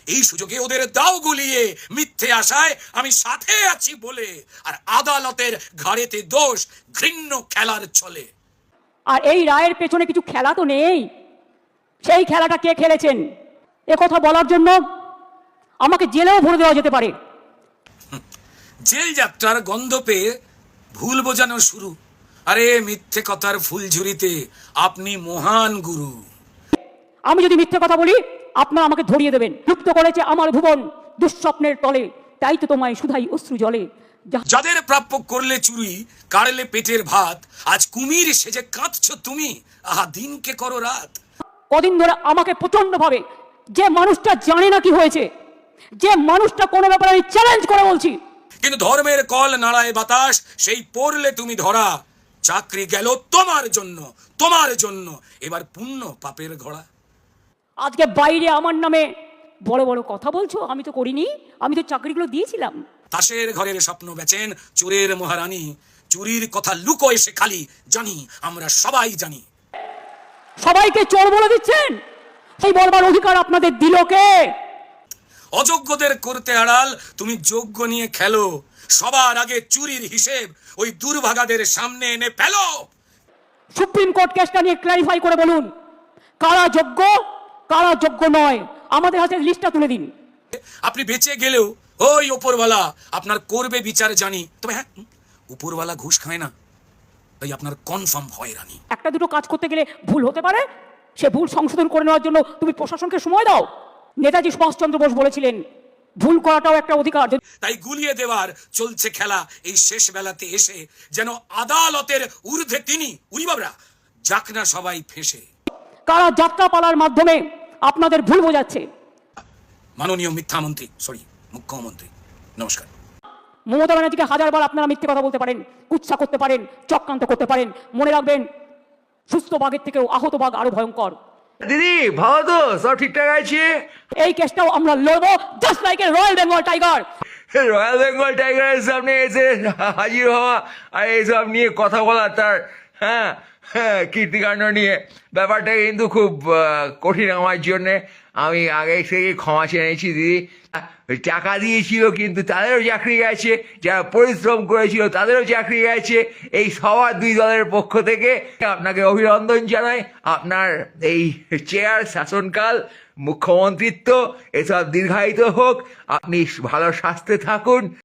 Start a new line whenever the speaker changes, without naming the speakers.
এই সুযোগে ওদের দাও গুলিয়ে মিথ্যে আশায় আমি সাথে আছি বলে, আর আদালতের ঘাড়েতে দোষ ঘৃণ্য খেলার চলে।
আর এই রায়ের পেছনে কিছু খেলা তো নেই। সেই খেলাটা কে খেলেছেন কথা বলার জন্য আমাকে জেলেও ভরে দেওয়া যেতে পারে।
জেল যাত্রার গন্ধ পেয়ে ভুল বোঝানো শুরু। আরে মিথ্যে কথার ফুলঝুরিতে আপনি মহান গুরু।
আমি যদি মিথ্যে কথা বলি আপনারা আমাকে ধরিয়ে দেবেন। লুপ্ত করেছে আমার ভুবন দুঃস্বপ্নের তলে, তাই তো তোমায় শুধাই অশ্রু জলে।
যাদের প্রাপ্য করলে চুরি, কাড়লে পেটের ভাত, আজ কুমির সেজে কাঁদছো তুমি, আহা দিনকে করো রাত।
কদিন ধরে আমাকে প্রচন্ড ভাবে যে মানুষটা জানে না কি হয়েছে, যে মানুষটা কোনো ব্যাপারে আমি চ্যালেঞ্জ করে বলছি,
কিন্তু ধর্মের কল নাড়ায় বাতাস, সেই পড়লে তুমি ধরা। চাকরি গেল তোমার জন্য, তোমার জন্য, এবার পুণ্য পাপের ঘোড়া।
আজকে বাইরে আমার নামে বড় বড় কথা বলছো। আমি তো করিনি, আমি তো চাকরিগুলো দিয়েছিলাম।
তাসের ঘরের স্বপ্ন বেচেন চোরের মহারানী, চুরির কথা লুকো এসে খালি, জানি আমরা সবাই জানি।
সবাইকে চোর বলে দিচ্ছেন, সেই বলবার অধিকার আপনাদের দিল কে?
অযোগ্যদের করতে আড়াল তুমি যোগ্য নিয়ে খেলো, সবার আগে চুরির হিসেব ওই দুর্ভাগাদের সামনে এনে ফেলো।
সুপ্রিম কোর্ট কেসটা নিয়ে ক্লারিফাই করে বলুন, কারা যোগ্য কারা যোগ্য নয়, আমাদের হাতে লিস্টটা তুলে দিন।
আপনি বেঁচে গেলেও ওই উপরওয়ালা আপনার করবে বিচার জানি। তবে হ্যাঁ, উপরওয়ালা ঘুষ খায় না, তাই আপনার কনফার্ম হয়রানি।
একটা দুটো কাজ করতে গেলে ভুল হতে পারে, সে ভুল সংশোধন করে নেওয়ার জন্য তুমি প্রশাসনকে সময় দাও। নেতাজি সুভাষচন্দ্র বোস বলেছিলেন ভুল করাটাও একটা অধিকার।
তাই গুলিয়ে দেওয়ার চলছে খেলা এই শেষ বেলাতে এসে, যেন আদালতের ঊর্ধ্বে তিনি, উনি বাবরা যাক না সবাই ফেঁসে।
কারা যাত্রাপালার মাধ্যমে আপনাদের ভুল বোঝাচ্ছে।
মাননীয় মুখ্যমন্ত্রী নমস্কার।
মমতা ব্যানার্জিকে হাজারবার আপনারা মিথ্যে কথা বলতে পারেন, কুৎসা করতে পারেন, চক্রান্ত করতে পারেন। মনে রাখবেন, সুস্থ বাঘের থেকেও আহত বাঘ আরো ভয়ঙ্কর।
দিদি ভালো তো, সব ঠিকঠাক আছে?
এই কেসটাও আমরা লড়বো, just like a royal Bengal tiger.
Royal Bengal টাইগারের সামনে এসে হাজির হওয়া আর এইসব নিয়ে কথা বলা, তার হ্যাঁ হ্যাঁ কীর্তিকাণ্ড নিয়ে, ব্যাপারটা কিন্তু খুব কঠিন আমার জন্যে। আমি আগে থেকে ক্ষমা চেয়ে নিয়েছি দিদি। টাকা দিয়েছিল কিন্তু তাদেরও চাকরি গেছে, যারা পরিশ্রম করেছিল তাদেরও চাকরি গেছে। এই সবার দুই দলের পক্ষ থেকে আপনাকে অভিনন্দন জানাই। আপনার এই চেয়ার, শাসনকাল, মুখ্যমন্ত্রিত্ব এসব দীর্ঘায়িত হোক। আপনি ভালো স্বাস্থ্যে থাকুন।